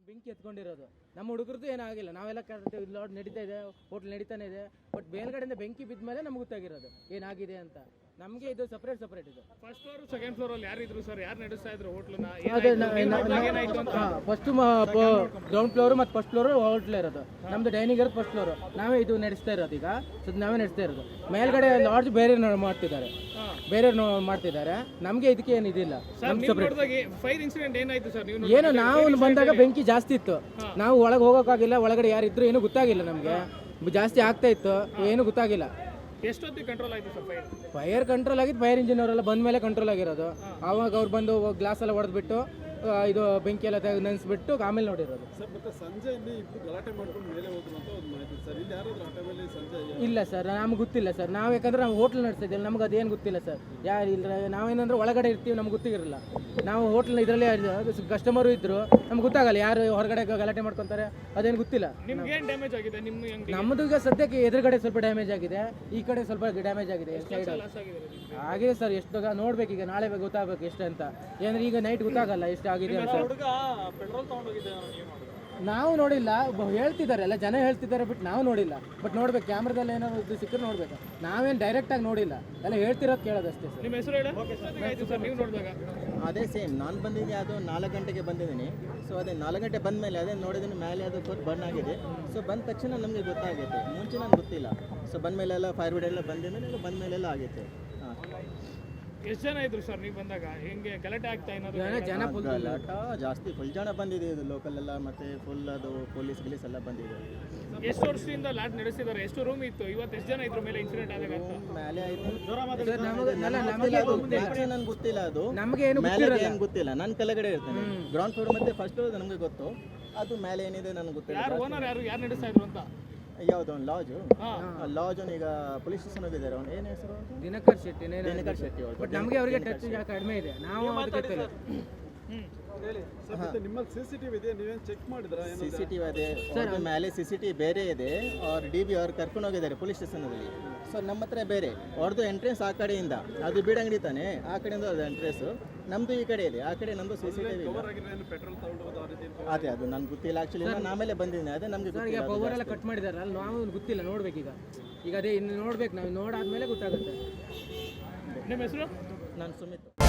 ಬೆಂಕಿ ಎತ್ಕೊಂಡಿರೋದು. ನಮ್ಮ ಹುಡುಗರದ್ದು ಏನಾಗಿಲ್ಲ, ನಾವೆಲ್ಲ ಲಾಡ್ ನಡೀತಾ ಇದೆ, ಹೋಟ್ಲ್ ನಡೀತಾನೆ ಇದೆ. ಬಟ್ ಮೇಲ್ಗಡೆಯಿಂದ ಬೆಂಕಿ ಬಿದ್ದ ಮೇಲೆ ನಮ್ಗೆ ಗೊತ್ತಾಗಿರೋದು ಏನಾಗಿದೆ ಅಂತ. ನಮಗೆ ಇದು ಸಪ್ರೇಟ್ ಇದು. ಫಸ್ಟ್ ಫ್ಲೋರ್ ಸೆಕೆಂಡ್ ಫ್ಲೋರ್ ಅಲ್ಲಿ ಯಾರು ಇದ್ರು ಸರ್? ಯಾರು ನಡೆಸ್ತಾ ಇದ್ರು ಹೋಟ್ಲನ್ನ? ಫಸ್ಟ್ ಗ್ರೌಂಡ್ ಫ್ಲೋರ್ ಮತ್ತು ಫಸ್ಟ್ ಫ್ಲೋರ್ ಹೋಟ್ಲ್ ಇರೋದು. ನಮ್ದು ಡೈನಿಂಗ್ ಇರೋದು ಫಸ್ಟ್ ಫ್ಲೋರ್. ನಾವೇ ಇದು ನಡೆಸ್ತಾ ಇರೋದು. ಈಗ ನಾವೇ ನಡೆಸ್ತಾ ಇರೋದು. ಮೇಲ್ಗಡೆ ಲಾಡ್ಜ್ ಬೇರೆ ಮಾಡ್ತಿದ್ದಾರೆ, ಮಾಡ್ತಿದ್ದಾರೆ. ನಮ್ಗೆ ಇದಕ್ಕೆ ಏನು ಇದಿಲ್ಲ. ಫೈರ್ ಇನ್ಸಿಡೆಂಟ್ ಏನಾಯ್ತು ಸರ್? ಏನು ನಾವು ಬಂದಾಗ ಬೆಂಕಿ ಜಾಸ್ತಿ ಇತ್ತು. ನಾವು ಒಳಗೆ ಹೋಗೋಕ್ಕಾಗಿಲ್ಲ. ಒಳಗಡೆ ಯಾರಿದ್ರು ಏನು ಗೊತ್ತಾಗಿಲ್ಲ ನಮಗೆ. ಜಾಸ್ತಿ ಆಗ್ತಾ ಇತ್ತು, ಏನು ಗೊತ್ತಾಗಿಲ್ಲ. ಎಷ್ಟೊತ್ತಿಗೆ ಕಂಟ್ರೋಲ್ ಆಯ್ತು ಸರ್ ಫೈರ್? ಫೈರ್ ಕಂಟ್ರೋಲ್ ಆಗಿದ್ದು ಫೈರ್ ಇಂಜಿನ್ ಅವರೆಲ್ಲ ಬಂದ ಮೇಲೆ ಕಂಟ್ರೋಲ್ ಆಗಿರೋದು. ಆವಾಗ ಅವ್ರು ಬಂದು ಗ್ಲಾಸ್ ಎಲ್ಲ ಹೊಡೆದ್ಬಿಟ್ಟು ಇದು ಬೆಂಕಿ ಎಲ್ಲ ನೆನೆಸ್ಬಿಟ್ಟು ಆಮೇಲೆ ನೋಡಿರೋದು. ಇಲ್ಲ ಸರ್, ನಮ್ಗೆ ಗೊತ್ತಿಲ್ಲ ಸರ್. ನಾವು ಯಾಕಂದ್ರೆ ನಾವು ಹೋಟ್ಲ್ ನಡೆಸ್ತಿದ್ದೀವಿ, ನಮ್ಗೆ ಅದೇನು ಗೊತ್ತಿಲ್ಲ ಸರ್. ಯಾರು ಇಲ್ಲ, ನಾವೇನಂದ್ರೆ ಒಳಗಡೆ ಇರ್ತೀವಿ, ನಮ್ಗೆ ಗೊತ್ತಿರಲಿಲ್ಲ. ನಾವು ಹೋಟ್ಲ್ ಇದರಲ್ಲಿ ಕಸ್ಟಮರು ಇದ್ರು, ನಮ್ಗೆ ಗೊತ್ತಾಗಲ್ಲ ಯಾರು ಹೊರಗಡೆ ಗಲಾಟೆ ಮಾಡ್ಕೊತಾರೆ, ಅದೇನು ಗೊತ್ತಿಲ್ಲ. ನಿಮ್ಗೆ ಏನು ಡ್ಯಾಮೇಜ್ ಆಗಿದೆ? ನಮ್ಮದು ಈಗ ಸದ್ಯಕ್ಕೆ ಎದುರುಗಡೆ ಸ್ವಲ್ಪ ಡ್ಯಾಮೇಜ್ ಆಗಿದೆ, ಈ ಕಡೆ ಸ್ವಲ್ಪ ಡ್ಯಾಮೇಜ್ ಆಗಿದೆ. ಸೈಡ್ ಆಗಿದೆ ಸರ್. ಎಷ್ಟು ನೋಡ್ಬೇಕು, ಈಗ ನಾಳೆ ಗೊತ್ತಾಗಬೇಕು ಎಷ್ಟು ಅಂತ. ಏನಂದ್ರೆ ಈಗ ನೈಟ್ ಗೊತ್ತಾಗಲ್ಲ ಎಷ್ಟು ಆಗಿದೆ ಅಂತ. ನಾವು ನೋಡಿಲ್ಲ, ಹೇಳ್ತಿದ್ದಾರೆ ಎಲ್ಲ ಜನ ಹೇಳ್ತಿದ್ದಾರೆ, ಬಟ್ ನಾವು ನೋಡಿಲ್ಲ. ಬಟ್ ನೋಡ್ಬೇಕು, ಕ್ಯಾಮ್ರಾದಲ್ಲಿ ಏನಾದ್ರು ಇದು ಸಿಕ್ಕರೆ ನೋಡ್ಬೇಕು. ನಾವೇನು ಡೈರೆಕ್ಟ್ ಆಗಿ ನೋಡಿಲ್ಲ, ಎಲ್ಲ ಹೇಳ್ತಿರೋದು ಕೇಳೋದಷ್ಟೇ ಸರ್. ನಿಮ್ಮ ಹೆಸರು ಹೇಳಿ. ನೀವು ನೋಡಿದಾಗ ಅದೇ ಸೇಮ್ ನಾನು ಬಂದಿದ್ದೆ, ಅದು 4 ಗಂಟೆಗೆ ಬಂದಿದ್ದೀನಿ. ಸೊ ಅದೇ 4 ಗಂಟೆ ಬಂದ ಮೇಲೆ ಅದೇ ನೋಡಿದ್ದೀನಿ, ಮೇಲೆ ಅದು ಫುಲ್ ಬರ್ನ್ ಆಗಿದೆ. ಸೊ ಬಂದ ತಕ್ಷಣ ನಮಗೆ ಗೊತ್ತಾಗೈತೆ, ಮುಂಚೆ ನನಗೆ ಗೊತ್ತಿಲ್ಲ. ಸೊ ಬಂದ ಮೇಲೆಲ್ಲ ಫೈರ್ ಬ್ರಿಗೇಡ್ ಎಲ್ಲ ಬಂದಿದ್ಮೇಲೆ ಬಂದ ಮೇಲೆಲ್ಲ ಆಗೈತೆ. ಎಷ್ಟು ಜನ ಇದ್ರು ಸರ್ ನೀವು ಬಂದಾಗ? ಹೆಂಗೆ ಗಲಾಟೆ ಆಗ್ತಾ ಏನಾದ್ರು? ಗಲಾಟ ಜಾಸ್ತಿ, ಫುಲ್ ಜನ ಬಂದಿದೆ. ಇದು ಲೋಕಲ್ ಎಲ್ಲ ಮತ್ತೆ ಫುಲ್ ಅದು ಪೊಲೀಸ್ ಗಿಲೀಸ್ ಎಲ್ಲ ಬಂದಿದೆ. ಎಷ್ಟು ವರ್ಷದಿಂದ ಲಾಟ್ ನಡೆಸಿದ್ದಾರೆ? ಎಷ್ಟು ರೂಮ್ ಇತ್ತು? ಇವತ್ತು ಎಷ್ಟು ಜನ ಇದ್ರ ಮೇಲೆ ಇನ್ಸಿಡೆಂಟ್ ಆದಾಗ? ಮೇಲೆ ಆಯ್ತು ನಮಗೆ ನನ್ಗೆ ಗೊತ್ತಿಲ್ಲ, ಅದು ನಮಗೆ ಏನು ಏನು ಗೊತ್ತಿಲ್ಲ. ನಾನು ಕೆಳಗಡೆ ಇರ್ತೇನೆ, ಗ್ರೌಂಡ್ ಫ್ಲೋರ್ ಮತ್ತೆ ಫಸ್ಟ್ ಫ್ಲೋರ್ ನಮಗೆ ಗೊತ್ತು. ಅದು ಮೇಲೆ ಏನಿದೆ ನನಗೆ ಗೊತ್ತಿಲ್ಲ. ಯಾರು ಓನರ್? ಯಾರು ನಡೆಸ್ತಾ ಇದ್ರು ಅಂತ? ಯಾವ್ದು ಒಂದು ಲಾಜು, ಲಾಜ್ ಈಗ ಪೊಲೀಸ್ ಸ್ಟೇಷನ್ ಹೋಗಿದ್ದಾರೆ. ಅವ್ನು ಏನು ಹೆಸರು? ದಿನಕರ್ ಶೆಟ್ಟಿ. ದಿನಕರ್ ಶೆಟ್ಟಿ. ಬಟ್ ನಮಗೆ ಅವರಿಗೆ ಟಚ್ ಕಡಿಮೆ ಇದೆ, ನಾವು ಗೊತ್ತಿಲ್ಲ. ನಿಮ್ಮಲ್ಲಿ ಸಿಸಿಟಿವಿ ಇದೆ, ನೀವೇನು ಚೆಕ್ ಮಾಡಿದ್ರಾ? ಸಿಸಿಟಿವಿ ಅದೇ ಅವ್ರ ಮೇಲೆ ಸಿಸಿಟಿವಿ ಬೇರೆ ಇದೆ. ಅವ್ರ DB ಅವ್ರು ಕರ್ಕೊಂಡು ಹೋಗಿದ್ದಾರೆ ಪೊಲೀಸ್ ಸ್ಟೇಷನಲ್ಲಿ. ಸೊ ನಮ್ಮ ಹತ್ರ ಬೇರೆ, ಅವ್ರದ್ದು ಎಂಟ್ರೆನ್ಸ್ ಆ ಕಡೆಯಿಂದ, ಅದು ಬೀಡಂಗಡಿ ತಾನೆ, ಆ ಕಡೆಯಿಂದ ಅದು ಎಂಟ್ರೆನ್ಸು. ನಮ್ಮದು ಈ ಕಡೆ ಇದೆ, ಆ ಕಡೆ ನಮ್ಮದು ಸಿಸಿಟಿವಿ ಪೆಟ್ರೋಲ್ ತಗೊಂಡು ಅದೇ ಅದು ನನಗೆ ಗೊತ್ತಿಲ್ಲ. ಆ್ಯಕ್ಚುಲಿ ನಾನು ಆಮೇಲೆ ಬಂದಿದ್ದೀನಿ, ಅದೇ ನಮಗೆ ಈಗ ಪವರ್ ಎಲ್ಲ ಕಟ್ ಮಾಡಿದಾರಲ್ಲ, ನಾವು ಗೊತ್ತಿಲ್ಲ, ನೋಡ್ಬೇಕು ಈಗ ಅದೇ ಇನ್ನು ನೋಡ್ಬೇಕು. ನಾವು ನೋಡಾದ್ಮೇಲೆ ಗೊತ್ತಾಗುತ್ತೆ. ನಿಮ್ಮ ಹೆಸರು? ನಾನು ಸುಮಿತ್.